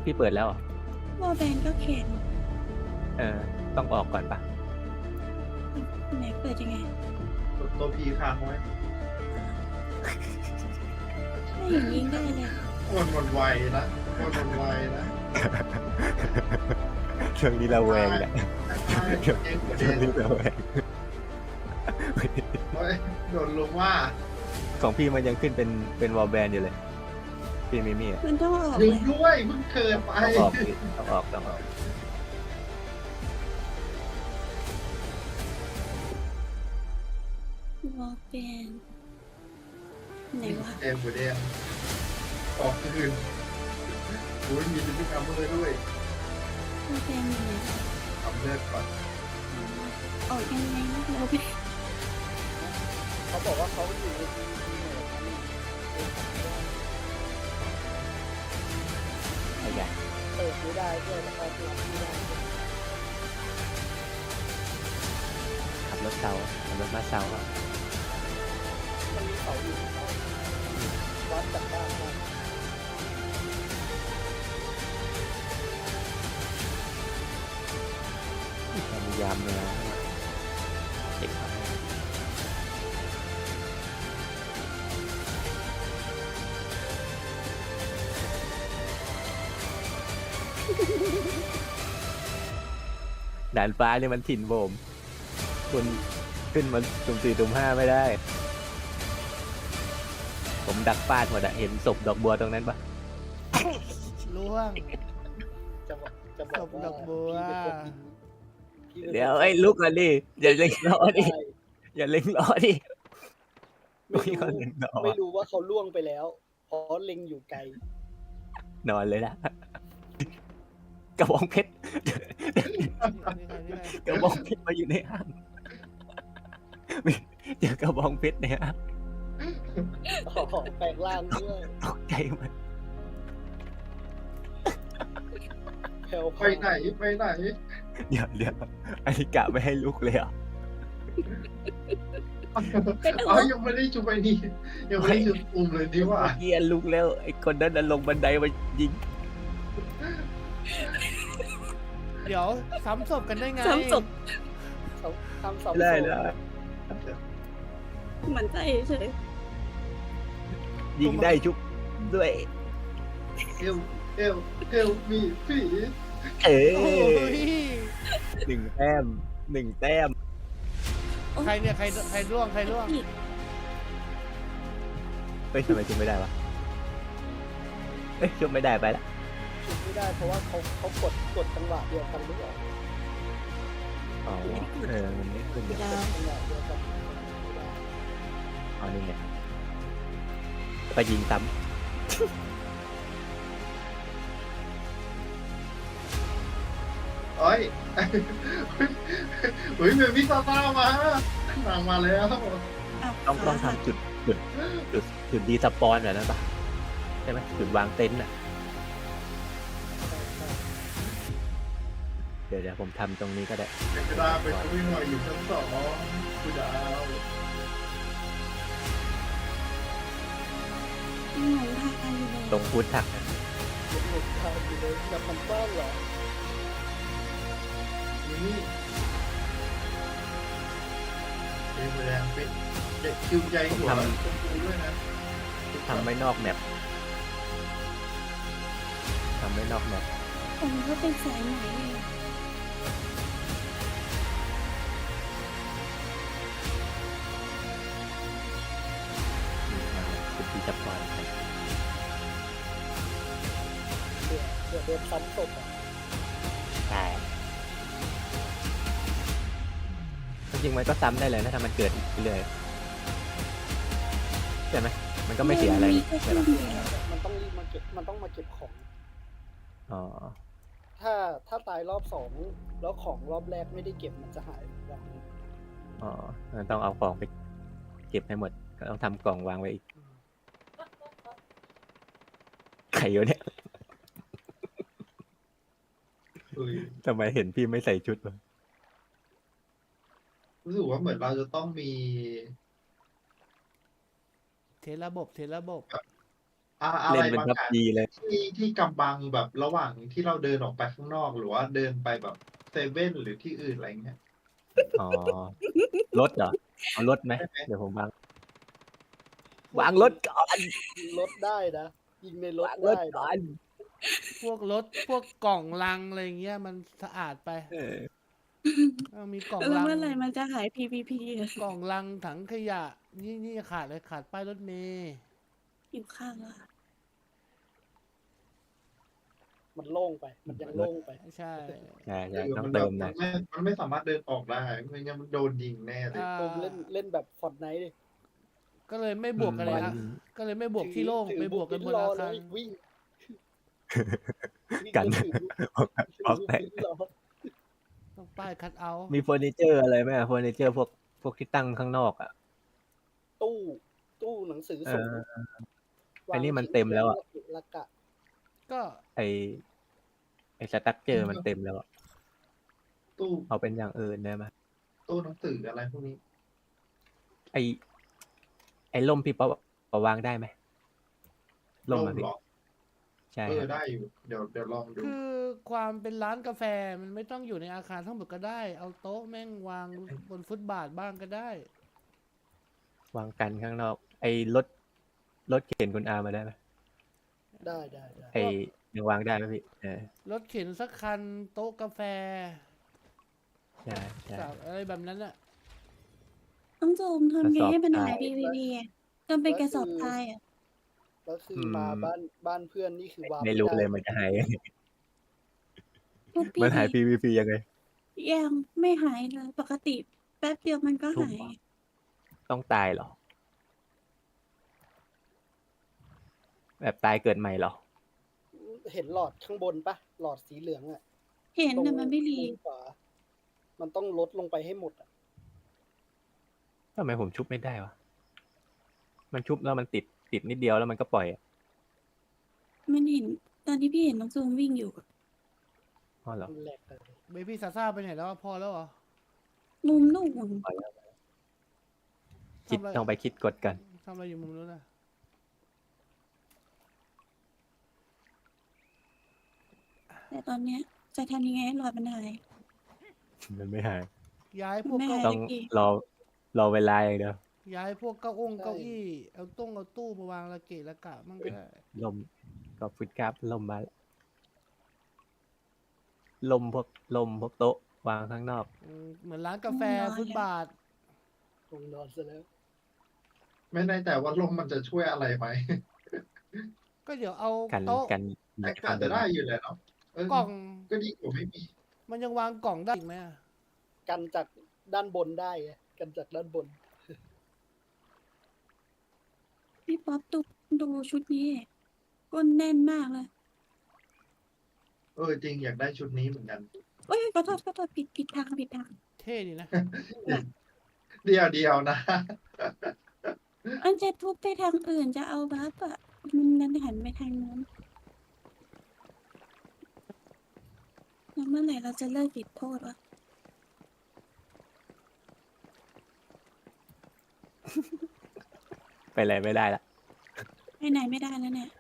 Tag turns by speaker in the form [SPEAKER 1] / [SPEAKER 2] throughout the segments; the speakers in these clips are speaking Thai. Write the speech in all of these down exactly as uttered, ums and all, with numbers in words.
[SPEAKER 1] พี่เปิดแล้วเหรอ
[SPEAKER 2] วอลแบนก็เข็น
[SPEAKER 1] เออ ต้องออกก่อนปะ
[SPEAKER 2] ไหนเปิดยังไง
[SPEAKER 3] กดตัวพีค้างไว้
[SPEAKER 2] ไม่อย่างยิงได้เลย
[SPEAKER 3] มันมันไวนะมันมันไวนะ
[SPEAKER 1] ช่วงนี้เราแวงแหละ
[SPEAKER 3] ใช่เจ๊งกว่า
[SPEAKER 1] ช่
[SPEAKER 3] เดิ
[SPEAKER 1] วง
[SPEAKER 3] ม
[SPEAKER 1] นี้เราแวง
[SPEAKER 3] เฮ้ยโดนลงว่า
[SPEAKER 1] ของพี่มันยังขึ้นเป็นเป็นวอลแบนอยู่เลย พี่มิมี่อะ
[SPEAKER 2] มันต้องออก
[SPEAKER 3] ยิ
[SPEAKER 2] เล
[SPEAKER 3] ง
[SPEAKER 2] ย
[SPEAKER 3] ด้วยเพิ่งเกินไป
[SPEAKER 1] ต้องออกพี่ต้องออกต้องออก
[SPEAKER 2] วอลแบนไหนวะ
[SPEAKER 3] เอ็มหัวแดงออกคืนโอ้ยมีพฤติกรรมเลยด้วย
[SPEAKER 2] วอลแบนอยู่ไหนวะ
[SPEAKER 3] ทำเลือดก่อน
[SPEAKER 2] ออกยังไงนะวอลแบน
[SPEAKER 4] เขาบอกว่าเขาอยู่ในทีมทีมเนี่ย
[SPEAKER 1] ขยัน
[SPEAKER 4] เปิดไม่ได้ด้วยแล้วก็เปิดไม่ได้ด้วย
[SPEAKER 1] ขับรถเซาขับรถมาเซาอะ
[SPEAKER 4] มันมีเสาอยู่เขาวัดจากบ้านมา
[SPEAKER 1] พยายามเลยนะเด็กครับด่านฟ้าเนี่ยมันถิ่นผมคุณขึ้นมาตุ่มสี่ตุ่มห้าไม่ได้ ผมดักฟาดหมดอะเห็นศพดอกบัวตรงนั้นปะ
[SPEAKER 5] ล่วง
[SPEAKER 4] จะบอกจะบอกว่า
[SPEAKER 5] ศพดอกบัว
[SPEAKER 4] พี่เป็นคน
[SPEAKER 1] เดี๋ยวไอ้ยลุกก่อนดิอย่าเล็งล้อดิ
[SPEAKER 4] ได้
[SPEAKER 1] อย่าเล็งล้อดิ
[SPEAKER 4] ไม่
[SPEAKER 1] มี
[SPEAKER 4] รู้
[SPEAKER 1] คนเล็งล้อ
[SPEAKER 4] ไม่รู้ว่าเขาล่วงไปแล้ว เพราะเล็งอยู่ไกล
[SPEAKER 1] นอนเลยนะกระบองเพชร
[SPEAKER 5] นี่ไงนี่ไง
[SPEAKER 1] กระบองเพชรมาอยู่ในห้างเจอกระบองเพชรในห้าง
[SPEAKER 4] อ๋อแปลงร่างด้วย
[SPEAKER 1] ตกใจมัน
[SPEAKER 4] แผ่ว
[SPEAKER 3] ไปไหนไปไหน
[SPEAKER 1] เดี๋ยวเดี๋ยวอันนี้กะไม่ให้ลุกเลยเหรอ่ะ
[SPEAKER 3] อ๋อยังไม่ได้จุไปนี่ยังไม่ได้จุปุ่มเลยดีว่า
[SPEAKER 1] เกียลุกแล้วไอ้คนนั้นน่ะลงบันไดมายิง
[SPEAKER 5] เดี๋ยวซ้ำศพกันได้ไง
[SPEAKER 2] ซ้ำศพ
[SPEAKER 4] เขาทำเสา
[SPEAKER 1] ได้
[SPEAKER 4] โซ่
[SPEAKER 1] ได้
[SPEAKER 2] มันใจเฉย
[SPEAKER 1] ยิงได้ชุบด้วย
[SPEAKER 3] เอลเอลเอลมีผี
[SPEAKER 1] เอ
[SPEAKER 5] โอ้
[SPEAKER 1] อย หนึ่งแต้มหนึ่งแต้ม
[SPEAKER 5] ใครเนี่ยใครใครร่วงใครร่วง
[SPEAKER 2] อีก
[SPEAKER 1] เฮ้ยทำไมชุบไม่ได้วะเอ้ยชุบไม่ได้ไปละ
[SPEAKER 4] ชุดไม่ได้เพราะว่าเขาเขากดกดจังหวะเดียวกันหรือเปล่า
[SPEAKER 1] อ๋อเออมันไม่ขึ้นเนี่ย
[SPEAKER 2] ดาว
[SPEAKER 4] จังหวะเดียวกัน
[SPEAKER 1] อ๋อนี่ไงไปยิงซ้
[SPEAKER 3] เอ้ยเฮ้ยเบบี้ซาต้ามาหนังมาแล้ว
[SPEAKER 1] ำต้องต้องทำจุดจุดจุดจุดดีสปอนแบบนั้นปะใช่ไหมจุดวางเต็นท์อ่ะเดี๋ยวเดี๋ยวผมทำตรงนี้ก็ได้
[SPEAKER 3] เอกดาไปช่วยหน่อยอยู่ชั้นสองคุณดาว
[SPEAKER 2] หลงทางอยู่เลย
[SPEAKER 1] ตรงฟูดทักนะ
[SPEAKER 4] เด็กหนุ่มทางอยู่เลยแบบมันบ้านเหรอ
[SPEAKER 3] นี่เอ็มแรงเป็นเด็กคิวใจหัวชมพูด้วยนะ
[SPEAKER 1] ทำไม่นอกแมปทำไม่นอกแมป
[SPEAKER 2] ผมก็เป็นสายไหมเอง
[SPEAKER 1] จุดดีสปอน
[SPEAKER 4] เดี๋ยวเดี๋ยวโดนซ้ำศพอ่ะ
[SPEAKER 1] ใช่จริงๆมันก็ซ้ำได้เลยนะถ้ามันเกิดอีกเรื่อยใช่ไหมมันก็ไม่เสียอะไร
[SPEAKER 2] มี
[SPEAKER 1] นี่
[SPEAKER 2] แค่
[SPEAKER 1] ใช่
[SPEAKER 2] ครึ่
[SPEAKER 1] ปะ
[SPEAKER 2] งเดียว
[SPEAKER 4] มันต้องรีบมาเก็บมันต้องมาเก็บของ
[SPEAKER 1] อ๋อ
[SPEAKER 4] ถ้าถ้าตายรอบสองแล้วของรอบแรกไม่ได้เก็บมันจะหายวัน
[SPEAKER 1] อ๋อต้องเอาของไปเก็บให้หมดก็ต้องทำกล่องวางไว้อีกใครอยู่เนี่ย
[SPEAKER 3] เฮ้ย
[SPEAKER 1] ทำไมเห็นพี่ไม่ใส่ชุดวะ
[SPEAKER 3] รู้สึกว่าเหมือนเราจะต้องมี
[SPEAKER 5] เทระบบเทระบบ
[SPEAKER 3] ออะอะ
[SPEAKER 1] เล่
[SPEAKER 3] ไร
[SPEAKER 1] นเป็น
[SPEAKER 3] บาง
[SPEAKER 1] พับ
[SPEAKER 3] อย่าง
[SPEAKER 1] จี เลย
[SPEAKER 3] ที่ ที่กำบังแบบระหว่างที่เราเดินออกไปข้างนอก หรือว่าเดินไปแบบเซเว่น หรือที่อื่น อะไรเงี้ย
[SPEAKER 1] อ๋อ รถเหรอ? เอารถไหม?
[SPEAKER 3] ใช่ไหม?
[SPEAKER 1] เดี๋ยวผมวาง
[SPEAKER 4] พวก
[SPEAKER 1] วางรถก่อน
[SPEAKER 4] ยิงรถได้นะ ยิงในรถ
[SPEAKER 1] วางร
[SPEAKER 4] ได้
[SPEAKER 1] ถ
[SPEAKER 4] นะ
[SPEAKER 1] ก่อน
[SPEAKER 5] พวกรถ พวกกล่องลัง อะไรอย่างเงี้ย มันสะอาดไป
[SPEAKER 1] เออ
[SPEAKER 5] เออ มีกล่อง
[SPEAKER 2] แล้ว
[SPEAKER 5] ลัง
[SPEAKER 2] เมื่อไหร่มันจะหาย พี พี พี อะ?
[SPEAKER 5] กล่องลัง ถังขยะ นี่ นี่ขาดอะไร ขาดป้ายรถเมล์
[SPEAKER 2] หิวข้าวแล้วอะ
[SPEAKER 4] มันโล่งไป มันยังโล่งไป
[SPEAKER 5] ใช่
[SPEAKER 1] ใช่
[SPEAKER 3] เออ
[SPEAKER 1] ๆ ต้อ
[SPEAKER 3] มั
[SPEAKER 1] ง
[SPEAKER 3] น
[SPEAKER 1] เต
[SPEAKER 3] แบิบ
[SPEAKER 1] มห
[SPEAKER 3] ม
[SPEAKER 1] นั่อย
[SPEAKER 3] นไม่ มันไม่สามารถเดินออกได้ ไม่งั้นมันโดนยิงแน่เลย
[SPEAKER 5] อ่า
[SPEAKER 4] โดมเล่น เล่นแบบ Fortnite ดิ
[SPEAKER 5] ก็เลยไม่บวกกันเลยนะ ก็เลยไม่บวก
[SPEAKER 4] ถือ
[SPEAKER 5] ที่โล่ง
[SPEAKER 4] ถือ
[SPEAKER 5] ไปบวกกันบน
[SPEAKER 4] รอ
[SPEAKER 5] อา
[SPEAKER 4] เล
[SPEAKER 5] คาร
[SPEAKER 4] ย วิ่ง วิ่ง
[SPEAKER 1] กัน
[SPEAKER 4] แล้วถือ ถือ
[SPEAKER 1] ออกไป
[SPEAKER 4] วิ่งรอ
[SPEAKER 5] ต้องป้ายคัตเอาต์
[SPEAKER 1] มีเฟอร์นิเชอร์อะไรไหมอะ? เฟอร์นิเชอร์พวก พวกที่ตั้งข้างนอกอะ
[SPEAKER 4] ตู้ ตู้หนังสือ
[SPEAKER 1] เอ
[SPEAKER 4] สูง
[SPEAKER 1] อ
[SPEAKER 4] วา
[SPEAKER 1] อัน
[SPEAKER 4] ง
[SPEAKER 1] นี้มัน
[SPEAKER 4] ขีย
[SPEAKER 1] เต็มแล้วอะ
[SPEAKER 4] ระเกะระกะ
[SPEAKER 5] ก็
[SPEAKER 1] ไอ้ ไอ้ สตรักเชอร์ มันเต็มแล้วอะ
[SPEAKER 3] ตู้
[SPEAKER 1] เอาเป็นอย่างอื่นได้ไหม?
[SPEAKER 3] ตู้หนังสือ อะไรพวกนี้
[SPEAKER 1] ไอ้ ไอ้ร่มพี่ป๊อป เอาวางได้ไหม? ร่
[SPEAKER 3] ร่
[SPEAKER 1] ม
[SPEAKER 3] ม
[SPEAKER 1] อะพี่
[SPEAKER 3] เหรอ?
[SPEAKER 1] ใช่
[SPEAKER 3] เอ
[SPEAKER 1] ครั
[SPEAKER 3] อบ ได้อยู่ เดี๋ยว เดี๋ยวลองดู
[SPEAKER 5] คือความเป็นร้านกาแฟมันไม่ต้องอยู่ในอาคารทั้งหมดก็ได้ เอาโต๊ะแม่งวางบนฟุตบาทบ้างก็ได้
[SPEAKER 1] วางกันข้างนอก ไอ้รถ รถเข็นคุณอามาได้ไหม?
[SPEAKER 4] ได้ ๆ
[SPEAKER 1] ไอ้
[SPEAKER 4] ๆ
[SPEAKER 1] ยังวางได้ไหมพี่? เออ
[SPEAKER 5] รถเข็นสักคัน โต๊ะกาแฟ
[SPEAKER 1] ใช่
[SPEAKER 5] สา
[SPEAKER 1] ๆ
[SPEAKER 5] อะไรแบบนั้นน่ะ
[SPEAKER 2] น้องโจมท
[SPEAKER 1] กระ
[SPEAKER 2] ำไง
[SPEAKER 1] สอบ
[SPEAKER 2] ให้มัน
[SPEAKER 1] ทรา
[SPEAKER 2] หาย
[SPEAKER 1] ย
[SPEAKER 2] พี พี พี อะ? ทำเป็นกระสอบทรายอะ
[SPEAKER 4] แล้วคือ
[SPEAKER 1] อื
[SPEAKER 4] มาม บ้าน บ้านเพื่อนนี่คือวาง
[SPEAKER 1] ไม่
[SPEAKER 4] ไม่
[SPEAKER 1] รู้
[SPEAKER 4] ได้
[SPEAKER 1] เลยมันจะหาย ยังไง
[SPEAKER 2] พวกพ
[SPEAKER 1] มันหา
[SPEAKER 2] ี่
[SPEAKER 1] ย พี พี พี ยังไง?
[SPEAKER 2] ยังไม่หายเลย ปกติแป๊บเดียวมันก็
[SPEAKER 1] ทุ
[SPEAKER 2] หาย
[SPEAKER 1] ต้องตายเหรอ? แบบตายเกิดใหม่เหรอ?
[SPEAKER 4] อือ เห็นหลอดข้างบนเปล่า? หลอดสีเหลืองอะ
[SPEAKER 2] เห็น
[SPEAKER 4] ตรง
[SPEAKER 2] แต่มันไม่รี
[SPEAKER 4] มุมขวา มันต้องลดลงไปให้หมดอะ
[SPEAKER 1] ทำไมผมชุบไม่ได้วะ? มันชุบแล้วมันติด ติดนิดเดียวแล้วมันก็ปล่อยอะ
[SPEAKER 2] มันเห็น ตอนที่พี่เห็นน้องโจมวิ่งอยู่อะ
[SPEAKER 1] อ้อ เหรอ?
[SPEAKER 4] มันแหลกเลย
[SPEAKER 5] Baby Zaza ไปไหนแล้วอะ พอแล้วเหรอ?
[SPEAKER 2] มุมนู่น
[SPEAKER 1] ปล่อยแล้ว คิด
[SPEAKER 5] ทำอะไร
[SPEAKER 1] ต้องไปคิดกฎก่อน
[SPEAKER 5] ทำอะไรอยู่มุมนู้นน่ะ?
[SPEAKER 2] แต่ตอนเนี้ยจะทำยังไงให้หลอดมันหาย?
[SPEAKER 1] มันไม่หาย
[SPEAKER 5] ย้าย
[SPEAKER 2] มั
[SPEAKER 5] พ
[SPEAKER 2] น
[SPEAKER 5] วก
[SPEAKER 2] ไม่
[SPEAKER 5] เก้า
[SPEAKER 2] หาย
[SPEAKER 1] ต้
[SPEAKER 2] สั
[SPEAKER 1] อง
[SPEAKER 2] กที
[SPEAKER 1] รอ รอเวลาอย่างเดียว
[SPEAKER 5] ย้ายพวกเก้าอ้ง
[SPEAKER 4] ใช่
[SPEAKER 5] เก้าอี้ เอาต้ง เอาตู้มาวางระเกะระกะมั่งก็ได้
[SPEAKER 1] ร่ม ขอบคุณครับ ร่มมาแล้ว ร่มพวก ร่มพวกโต๊ะวางข้างนอก
[SPEAKER 5] อืม เหมือนร้านกาแฟ
[SPEAKER 2] ง่วงนอน
[SPEAKER 5] ฟุต
[SPEAKER 2] แล้ว
[SPEAKER 5] บาท
[SPEAKER 4] ง่วงนอนเสียแล้ว
[SPEAKER 3] ไม่แน่ใจว่าร่มมันจะช่วยอะไรไหม?
[SPEAKER 5] ก็เดี๋ยวเอา
[SPEAKER 1] กัน
[SPEAKER 5] โต๊ะ
[SPEAKER 1] กัน
[SPEAKER 3] แต่ก็อาจจะได้อยู่แหละเนาะ เออ
[SPEAKER 5] กล่อง
[SPEAKER 3] ก็ดีกว่าไม่มี
[SPEAKER 5] มันยังวางกล่องได้อีกไหมอะ?
[SPEAKER 4] กันจากด้านบนได้ไง กันจากด้านบน
[SPEAKER 2] พี่ป๊อป ดู ดูชุดนี้ดิ ก้นแน่นมากเลย
[SPEAKER 3] เออ จริง อยากได้ชุดนี้เหมือนกัน
[SPEAKER 2] อุ๊ย ขอโทษ ขอโทษ ผิด ผิดทาง ผิดทาง
[SPEAKER 5] เท่ดีนะ
[SPEAKER 3] เดี๋ยว เดี๋ยวนะ
[SPEAKER 2] มันจะทุบไปทางอื่น จะเอาบัฟอะ มันดันหันไปทางนู้น แล้วเมื่อไหร่เราจะเลิกติดโทษวะ?
[SPEAKER 1] ไปไหนไม่ได้แล้ว
[SPEAKER 2] ไปไหนไม่ได้แล้วเนี่ย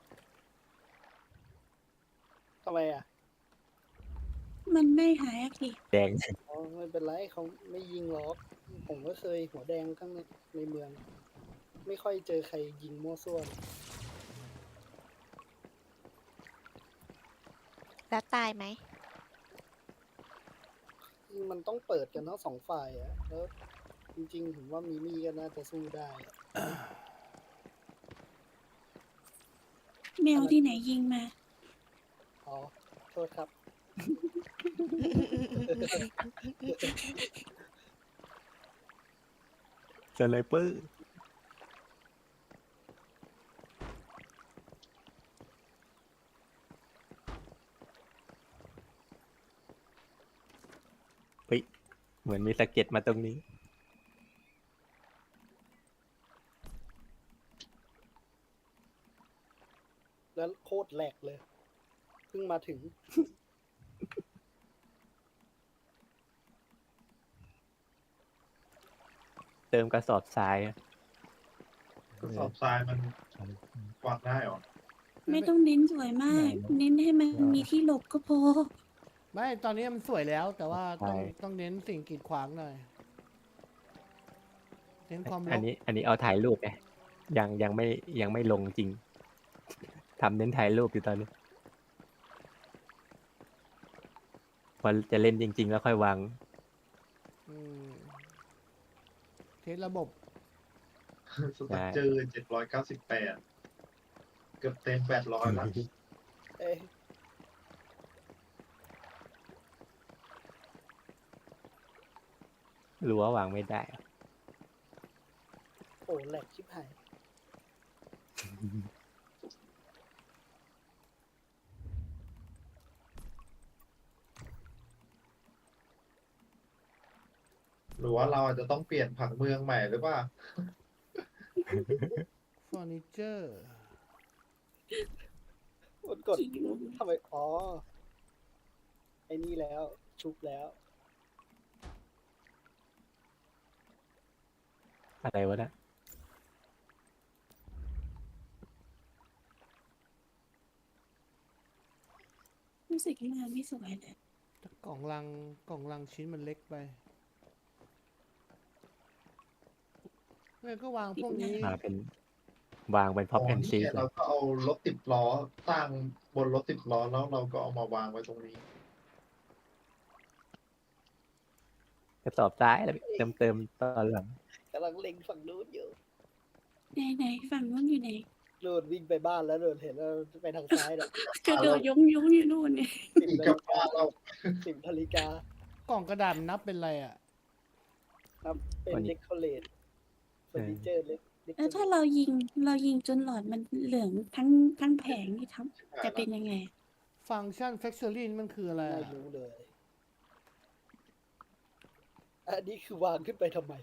[SPEAKER 4] ทำไมอะ?
[SPEAKER 2] มันไม่หายสักที
[SPEAKER 1] แดง
[SPEAKER 4] อ๋อ ไม่เป็นไร เขาไม่ยิงหรอก ผมก็เคยหัวแดงข้างใน ในเมือง ไม่ค่อยเจอใครยิงมั่วซั่ว
[SPEAKER 6] แล้วตายไหม?
[SPEAKER 4] อืม มันต้องเปิดกันทั้ง สอง ฝ่ายอะ แล้วจริง ๆ ผมว่ามิมี่ก็น่าจะสู้ได้อะ
[SPEAKER 2] แมวที่ไหนยิงมา?
[SPEAKER 4] อ๋อ โทษครับ
[SPEAKER 1] สไนเปอร์ เฮ้ย เหมือนมีสะเก็ดมาตรงนี้
[SPEAKER 4] แล้วโคตรแหลกเลย เพิ่งมาถึง
[SPEAKER 1] เติมกระสอบทรายอะ
[SPEAKER 3] กระสอบทรายมัน วางได้เหรอ?
[SPEAKER 2] ไม่ต้องเน้นสวยมาก เน้นให้มันมีที่หลบก็พอ
[SPEAKER 5] ไม่ตอนนี้มันสวยแล้ว แต่ว่าต้อง
[SPEAKER 1] ใช่
[SPEAKER 5] ต้องเน้นสิ่งกีดขวางหน่อยเน้นความร
[SPEAKER 1] อัน
[SPEAKER 5] ก
[SPEAKER 1] นี้ อันนี้เอาถ่ายรูปไงยังยังไม่ยังไม่ลงจริงทำเน้นถ่ายรูปอยู่ตอนนี้พอจะเล่นจริง ๆ แล้วค่อยวาง
[SPEAKER 5] อืมเทสระบบ
[SPEAKER 3] สตั๊กเจอเจ็ดร้อยเก้าสิบแปดเกือบเต็มแปดร้อยแล้ว
[SPEAKER 4] เอ้ย
[SPEAKER 1] รั้ววางไม่ได้
[SPEAKER 4] โอ้แหลกชิบหาย
[SPEAKER 3] หรือว่าเราอาจจะต้องเปลี่ยนผังเมืองใหม่หรือเปล่า
[SPEAKER 5] เฟอร์นิเจอร์
[SPEAKER 4] กดกดทำไมอ๋อ ไอ้นี่แล้ว ชุบแล้ว
[SPEAKER 1] อะไรวะนะ
[SPEAKER 2] รู้สึกงานไม่สวยเลย
[SPEAKER 5] แต่กล่องลังกล่องลังชิ้นมันเล็กไปเนี่ยก็วางพวกนี้
[SPEAKER 1] มาเป็นวางเป็นพ็อป
[SPEAKER 3] อ๋อ
[SPEAKER 1] แอน
[SPEAKER 3] นี่
[SPEAKER 1] ซี
[SPEAKER 3] ไงเราก็เอารถสิบล้อตั้งบนรถสิบล้อแล้วเราก็เอามาวางไว้ตรงนี้
[SPEAKER 1] กระสอบซ้ายแล้วเติมเติมตอนหลัง
[SPEAKER 4] กำลังเล็งฝั่งนู้นอยู่
[SPEAKER 2] ไหนไหนฝั่งนู้นอยู่ไหน
[SPEAKER 4] โดนวิ่งไปบ้านแล้วโดนเห็นแล้วไปทางซ้ายน่ะ
[SPEAKER 2] กระโดดยงยงอยู่นู่นเนี่ย
[SPEAKER 4] สิบ
[SPEAKER 3] อีก
[SPEAKER 4] นา
[SPEAKER 3] กั
[SPEAKER 4] ฬิ
[SPEAKER 3] บบ้านเรา
[SPEAKER 4] สิบนาฬิกาก
[SPEAKER 5] ล่องกระดาษนับเป็นอะไรอ่ะ
[SPEAKER 4] นับเป็น
[SPEAKER 1] วันนี้
[SPEAKER 4] เด็กคอเลตเฟอร์นิเจอร์เล็กเด็ก
[SPEAKER 2] แล้วถ้าเรายิงเรายิงจนหลอดมันเหลืองทั้งทั้งแผงนี่ทำจะเป็นยังไง
[SPEAKER 5] ฟังก์ชัน Factory มันคืออะไร
[SPEAKER 4] ไม่
[SPEAKER 5] อะ
[SPEAKER 4] รู้เลย อันนี้คือวางขึ้นไปทำไม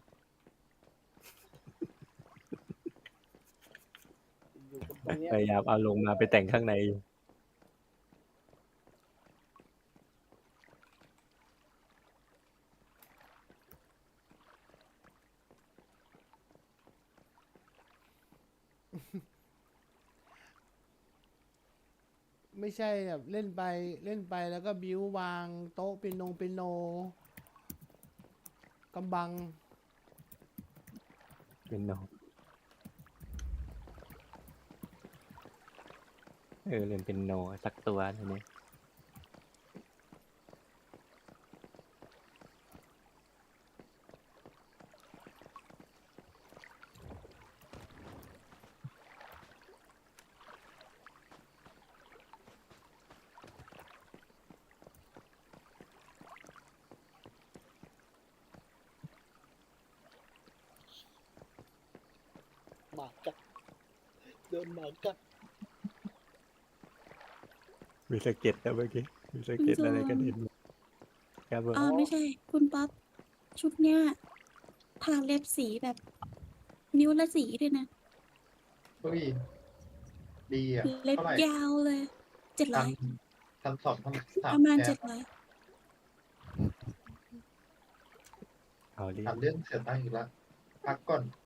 [SPEAKER 4] อยู่บนตรงเนี้ย
[SPEAKER 1] พยายามเอาลงมาไปแต่งข้างในอยู่
[SPEAKER 5] ไม่ใช่แบบเล่นไปเล่นไปแล้วก็บิววางโต๊ะเป็นนงเป็นโนกำบัง
[SPEAKER 1] เป็นโนเออเล่นเป็นโนสักตัวทีนี้
[SPEAKER 4] หมากัดโดนหมากัด
[SPEAKER 1] มีสะเก็ดแล้วเมื่อกี้มีสะเก็ดอะไรกันเห็นไหมครับผม
[SPEAKER 2] อ๋อไม่ใช่ คุณป๊อปชุดเนี้ยทาเล็บสีแบบ นิ้วละสีด้วยนะ
[SPEAKER 3] เฮ้ยดีอ่ะ
[SPEAKER 2] เล็บ
[SPEAKER 3] เท่าไหร่
[SPEAKER 2] ยาวเลยเจ็ดร้
[SPEAKER 3] พั
[SPEAKER 2] อน ย
[SPEAKER 3] พันสองพันสาม
[SPEAKER 2] ประมาณ
[SPEAKER 3] แส
[SPEAKER 2] เจ็
[SPEAKER 3] น
[SPEAKER 2] ดร้อย
[SPEAKER 1] เอาดิ
[SPEAKER 3] ถามเรื่องเสียตังค์อีกแล้วพักก่อน